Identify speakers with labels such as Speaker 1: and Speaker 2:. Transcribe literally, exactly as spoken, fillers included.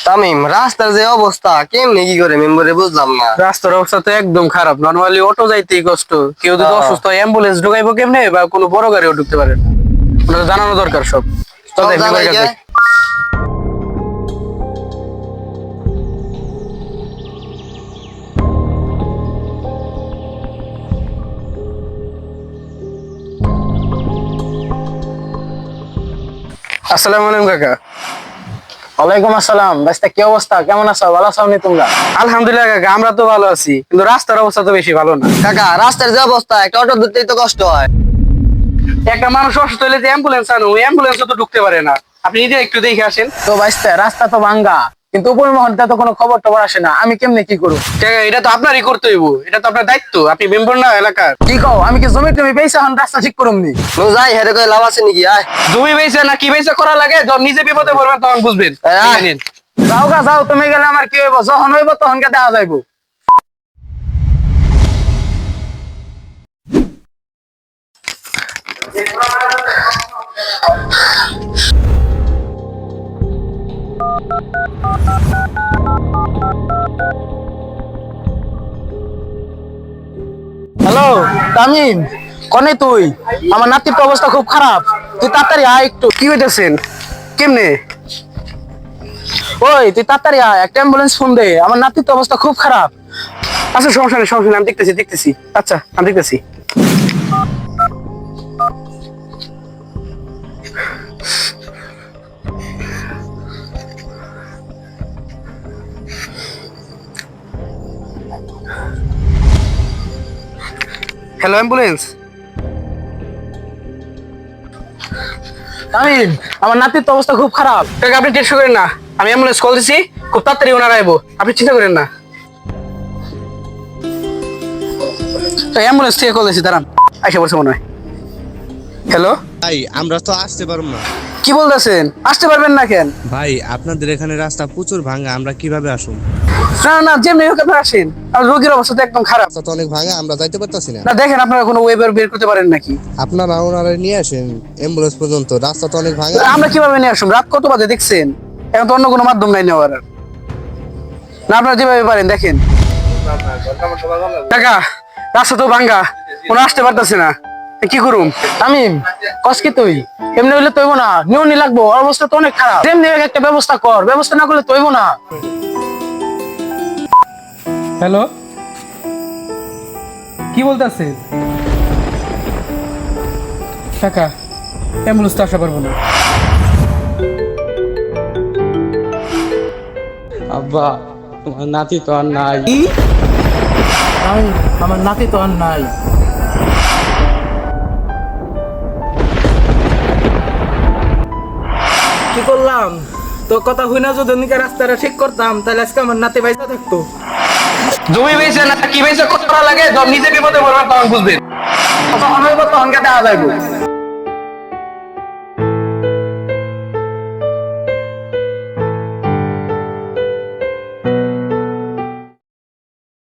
Speaker 1: তামিম, রাস্তার যে অবস্থা কেমনে কি করে মেম্বারে বুঝলাম না।
Speaker 2: রাস্তার অবস্থা তো একদম খারাপ। নরমালি অটো যাইতেই কষ্ট, কেউ যদি
Speaker 1: হ্যাঁ।
Speaker 2: অসুস্থ হয় অ্যাম্বুলেন্স ঢুকাইবো কেমনে, বা কোনো বড় গাড়িও ঢুকতে পারে না। ওটা জানানো দরকার সব। চল
Speaker 1: সব
Speaker 2: যাই মেম্বারের
Speaker 1: জানাই
Speaker 2: কাছে।
Speaker 1: যায়।
Speaker 2: আসসালামু আলাইকুম কাকা।
Speaker 3: ওয়ালাইকুম আসসালাম। বাইস্তা কি অবস্থা, কেমন আছো? ভালো আছো নি তোমরা?
Speaker 2: আলহামদুলিল্লাহ কাকা, আমরা তো ভালো আছি, কিন্তু রাস্তার অবস্থা তো বেশি ভালো না।
Speaker 1: কাকা, রাস্তার যে অবস্থা একটা অটো ধরতেই তো কষ্ট হয়।
Speaker 2: একটা মানুষ অসুস্থ হলে যে অ্যাম্বুলেন্স আনো, ওই অ্যাম্বুলেন্সও তো ঢুকতে পারে না। আপনি নিজে একটু দেখে আসেন।
Speaker 3: তো বাইস্তা রাস্তা তো ভাঙ্গা, কিন্তু উপর মহলটা তো কোনো খবর টবর আসে না। আমি কেমনে কি করব?
Speaker 2: কাকা, এটা তো আপনারই করতে হইব, এটা তো আপনার দায়িত্ব। আপনি মেম্বার না এলাকার।
Speaker 3: কি কও, আমি কি জমি টমি বেচা হন রাস্তা ঠিক করুম নি?
Speaker 1: নু যাই হেরে কই লাভ আছে নাকি? আয়
Speaker 2: জমি বেচে না কি বেচে করা লাগে, যখন নিজে বিপদে পড়বেন তখন বুঝবেন।
Speaker 1: হ্যাঁ।
Speaker 2: এই নিন।
Speaker 3: যাও গা যাও, তুমি গেলে আমার কি হইব? যখন হইব তখন কে দেখা যাইব। হ্যালো তামিম, কনে তুই? আমার নাতির তো অবস্থা খুব খারাপ, তুই তাড়াতাড়ি আয় একটু।
Speaker 2: কি হইতেছেন? কেমনে?
Speaker 3: ওই তুই তাড়াতাড়ি আয়, একটা অ্যাম্বুলেন্স ফোন দে, আমার নাতির তো অবস্থা খুব খারাপ।
Speaker 2: আচ্ছা সমস্যা নেই, সমস্যা নেই, আমি দেখতেছি দেখতেছি আচ্ছা আমি দেখতেছি। Hello ambulance.
Speaker 3: তামিম, আমার নাতির তো অবস্থা খুব খারাপ।
Speaker 2: কাকা আপনি টেনশন করেন না, আমি অ্যাম্বুলেন্স কল দিছি, খুব তাড়াতাড়ি ওনারা আইবো, আপনি চিন্তা করেন না। তো অ্যাম্বুলেন্স থেকে কল দিছি, দাঁড়ান, আইসা বলছে মনে হয়। হ্যালো,
Speaker 4: ভাই আমরা তো আসতে পারবো না।
Speaker 2: কি বলতেছেন? আসতে পারবেন না কেন?
Speaker 4: ভাই আপনাদের এখানে রাস্তা প্রচুর ভাঙা, আমরা কিভাবে আসুন?
Speaker 2: না না, যেমনি হোক আপনি আসেন, আর রোগীর অবস্থা তো একদম খারাপ।
Speaker 4: রাস্তা তো অনেক ভাঙা, আমরা যাইতে পারতাছি না।
Speaker 2: না দেখেন, আপনারা কোনো ওয়েবার বের করতে পারেন নাকি?
Speaker 4: আপনারা ওনারা নিয়ে আসেন অ্যাম্বুলেন্স পর্যন্ত, রাস্তা তো অনেক ভাঙা।
Speaker 2: আমরা কিভাবে নিয়ে আসুন? রাত কত বাজে দেখছেন? এখন তো অন্য কোনো মাধ্যম নাই নেওয়ার। না আপনারা যেভাবে পারেন দেখেন। কাকা, রাস্তা তো ভাঙ্গা, কোনো আসতে পারতেছে না, কি করুম?
Speaker 3: তামিম, কস কি তুই? এমনি হইলে তৈব না, নিউনি লাগবো, ওর অবস্থা তো অনেক খারাপ। যেমনি হোক একটা ব্যবস্থা কর, ব্যবস্থা না করলে তৈব না।
Speaker 2: হ্যালো, কি বলতেছে? কাকা, অ্যাম্বুলেন্স তো আসা পারবো না।
Speaker 5: আব্বা, তোমার নাতি তো আর নাই।
Speaker 3: তামিম, আমার নাতি তো আর নাই। কি করলাম? তোর কথা হই না, যদি নিকে রাস্তাটা ঠিক করতাম তাহলে আজকে আমার নাতি বাইসা থাকতো।
Speaker 2: জমি বেচে না কি বেচে করা লাগে, যখন নিজে বিপদে পড়বেন তখন বুঝবেন। তখন হইব তখন কে দেখা যাইব।